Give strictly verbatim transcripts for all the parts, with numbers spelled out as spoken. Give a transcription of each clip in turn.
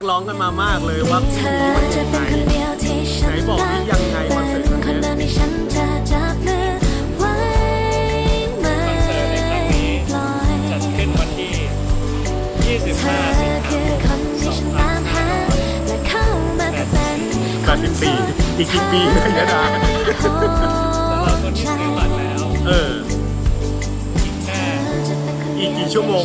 ร้องกันมามากเลยว่าพรุ่งนี้มันยังไงไหนบอกที่ยังไงคอนเสิร์ตครั้งนี้คอนเสิร์ตในครั้งนี้จัดขึ้นวันที่ ยี่สิบห้า สิงหาคม สองพันห้าร้อยแปดสิบสี่อีกกี่ปีนะยะดาสำหรับคนที่ซื้อบัตรแล้วเอออีกแค่อีกกี่ชั่วโมง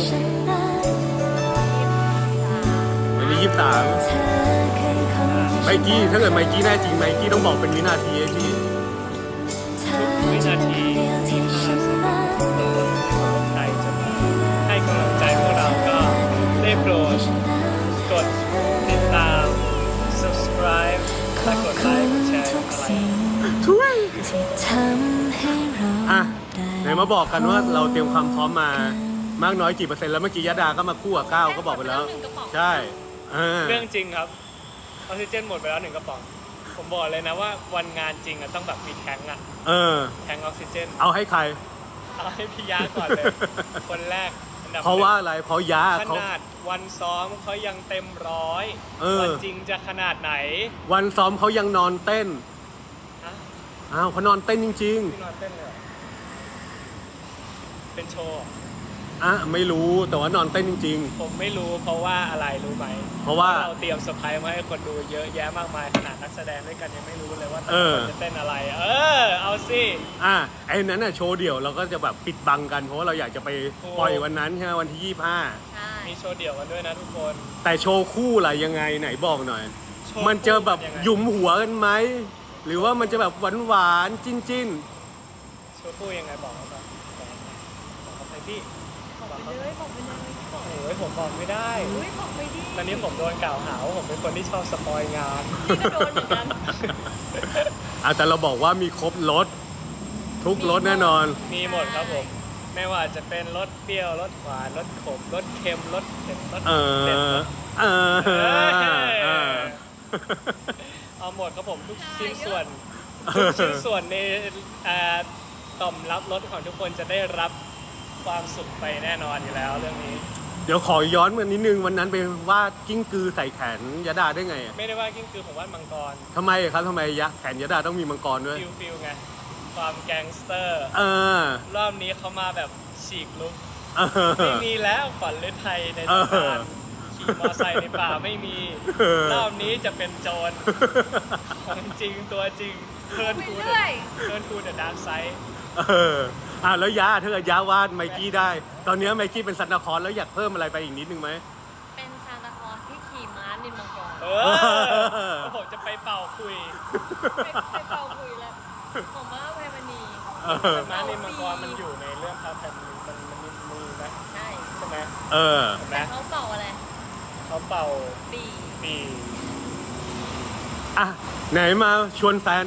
วันนี้ยี่สิบสามไมกี้ถ้าเกิดไมกี้แน่จริงไมกี้ต้องบอกเป็นวินาทีไอ้ที่วินาทีที่ห้าสิบใครจะมาให้กำลังใจพวกเราก็ได้โปรดกดติดตาม subscribe และกดไลค์กดแชร์อะไรช่วยอ่ะไหนมาบอกกันว่าเราเตรียมความพร้อมมามากน้อยกี่เปอร์เซ็นต์แล้วเมื่อกี้ยะดาก็มาคู่กับก้าวก็บอกไปแล้วใช่เรื่องจริงครับออกซิเจนหมดไปแล้วหนึ่งกระป๋องผมบอกเลยนะว่าวันงานจริงอะต้องแบบมีแทงอะเออแทงออกซิเจนเอาให้ใครเอาให้พี่ยาก่อนเลยคนแรกเพราะว่าอะไรเพราะยาขนาดวันซ้อมเขายังเต็มร้อยวันจริงจะขนาดไหนวันซ้อมเขายังนอนเต้นอ้าวเขานอนเต้นจริงๆนอนเต้นเลยเป็นโชว์อ่ะไม่รู้แต่ว่านอนเต้นจริงๆผมไม่รู้เพราะว่าอะไรรู้ไหมเพราะว่าเราเตรียมเซอร์ไพรส์มาให้คนดูเยอะแยะมากมายขนาดนักแสดงด้วยกันยังไม่รู้เลยว่าจะเต้นอะไรเออเอาสิอ่ะไอ้นั้นน่ะโชว์เดี่ยวเราก็จะแบบปิดบังกันเพราะว่าเราอยากจะไปปล่อยวันนั้นใช่ไหมวันที่ยี่สิบห้ามีโชว์เดี่ยวกันด้วยนะทุกคนแต่โชว์คู่อะไรยังไงไหนบอกหน่อยมันจะแบบหยุมหัวกันไหมหรือว่ามันจะแบบหวานหวานจิ้นจิ้นโชว์คู่ยังไงบอกเขาแบบบอกเขาไปพี่บอกไปเลยบอกไปเลยบอกโอ้ยผมบอกไม่ได้อุ้ยบอกไม่ดีตอนนี้ผมโดนกล่าวหาว่าผมเป็นคนที่ชอบสปอยงานพี่ก็โดนเหมือนกันอ่ะแต่เราบอกว่ามีครบรสทุกรสแน่นอนมีหมดครับผมไม่ว่าจะเป็นรสเปรี้ยวรสหวานรสขมรสเค็มรสเผ็ดรสเผ็ดเออเอาหมดครับผมทุกชิ้นส่วนทุกชิ้นส่วนในต่อมรับรสของทุกคนจะได้รับความสุขไปแน่นอนอยู่แล้วเรื่องนี้เดี๋ยวขอย้อนมานิดนึงวันนั้นไปวาดกิ้งกือใส่แขนยะดาได้ไงไม่ได้วาดกิ้งกือผมวาดมังกรทำไมครับทำไมยะแขนยะดาต้องมีมังกรด้วยฟิลฟิลไงความแก๊งสเตอร์เออรอบนี้เขามาแบบฉีกลุกไม่มีแล้วฝันฤทัยในตำนานขี่มอไซค์ในป่าไม่มีรอบนี้จะเป็นโจรของจริงตัวจริงเทิร์นทูเทิร์นทูเดอะดาร์กไซด์เอออ่ะแล้วยาถ้าเกิดยาวาดไมกี้ได้ตอนนี้ไมกี้เป็นซันตาคลอสแล้วอยากเพิ่มอะไรไปอีกนิดนึงไหมเป็นซันตาคลอสที่ขี่ม้านินมังกรเออผมจะไปเป่าคุยไปเป่าคุยแล้วผมว่าไพมณีม้านินมังกรมันอยู่ในเรื่องพระแผ่นมันมันมีมือนะใช่ใช่ไหมเออแต่เขาเป่าอะไรเขาเป่าปีปีอ่ะไหนมาชวนแฟน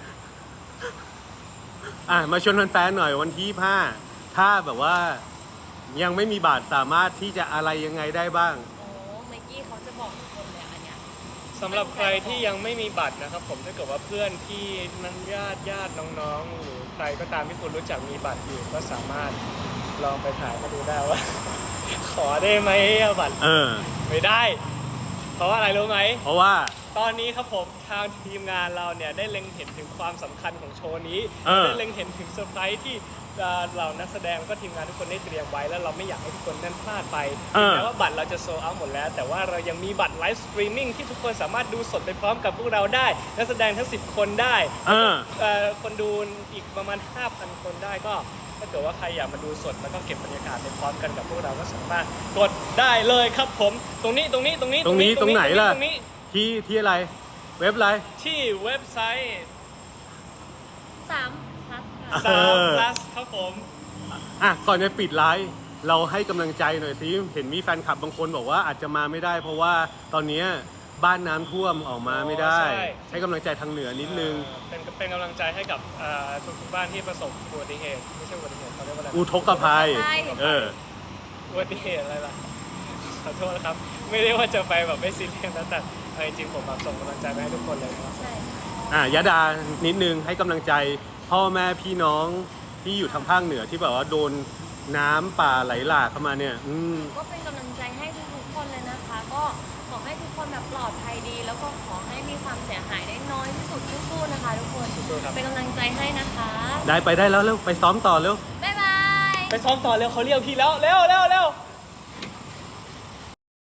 อ่ะมาชวนแฟนๆหน่อยวันที่ยี่สิบห้าถ้าแบบว่ายังไม่มีบัตรสามารถที่จะอะไรยังไงได้บ้างโอ้ไมกี้เขาจะบอกทุกคนเลยอันเนี้ยสำหรับใครที่ยังไม่มีบัตรนะครับผมถ้าเกิดว่าเพื่อนพี่นั้นญาติญาติน้องๆหรือใครก็ตามที่คุณรู้จักมีบัตรอยู่ก็สามารถลองไปถ่ายมาดูได้ว่า ขอได้ไหมบัตรเออไม่ได้เพราะว่าอะไรรู้ไหมเพราะว่าตอนนี้ครับผมทางทีมงานเราเนี่ยได้เล็งเห็นถึงความสำคัญของโชว์นี้ได้เล็งเห็นถึงเซอร์ไพรส์ที่เรานักแสดงก็ทีมงานทุกคนได้เตรียมไว้แล้วเราไม่อยากให้ทุกคนนั่นพลาดไปแม้ว่าบัตรเราจะโซลด์เอาท์หมดแล้วแต่ว่าเรายังมีบัตรไลฟ์สตรีมมิ่งที่ทุกคนสามารถดูสดไปพร้อมกับพวกเราได้นักแสดงทั้งสิบคนได้คนดูอีกประมาณ ห้าพัน คนได้ก็ถ้าเกิดว่าใครอยากมาดูสดแล้วก็เก็บบรรยากาศไปพร้อมกันกับพวกเราก็สามารถกดได้เลยครับผมตรงนี้ตรงนี้ตรงนี้ตรงนี้ตรงไหนล่ะที่ที่อะไรเว็บอะไรที่เว็บไซต์สาม plus สาม plus ครับผมอ่ะก่อนจะปิดไลฟ์เราให้กำลังใจหน่อยสิเห็นมีแฟนคลับบางคนบอกว่าอาจจะมาไม่ได้เพราะว่าตอนนี้บ้านน้ำท่วมออกมาไม่ได้ให้กำลังใจทางเหนือนิดนึงเป็นเป็นกำลังใจให้กับทุกๆบ้านที่ประสบอุบัติเหตุไม่ใช่อุบัติเหตุเขาเรียกว่าอะไรอุทกภัยเอออุบัติเหตุอะไรล่ะขอโทษนะครับไม่ได้ว่าจะไปแบบไม่ซีเรียสนะแต่จริงๆผมแบบส่งกำลังใจไปให้ทุกคนเลยครับใช่อ่ะยะดานิดนึงให้กำลังใจพ่อแม่พี่น้องที่อยู่ทางภาคเหนือที่แบบว่าโดนน้ำป่าไหลหลากเข้ามาเนี่ยอืมก็เป็นกำลังใจให้ทุกๆคนเลยนะคะก็ขอให้ทุกคนคนแบบปลอดภัยดี แล้วก็ขอให้มีความเสียหายได้น้อยที่สุดสู้ๆนะคะทุกคนสู้ๆครับเป็นกำลังใจให้นะคะได้ไปได้แล้วเร็วไปซ้อมต่อเร็วบ๊ายบายไปซ้อมต่อเร็วเขาเรียกพี่แล้วเร็วเร็วเร็ว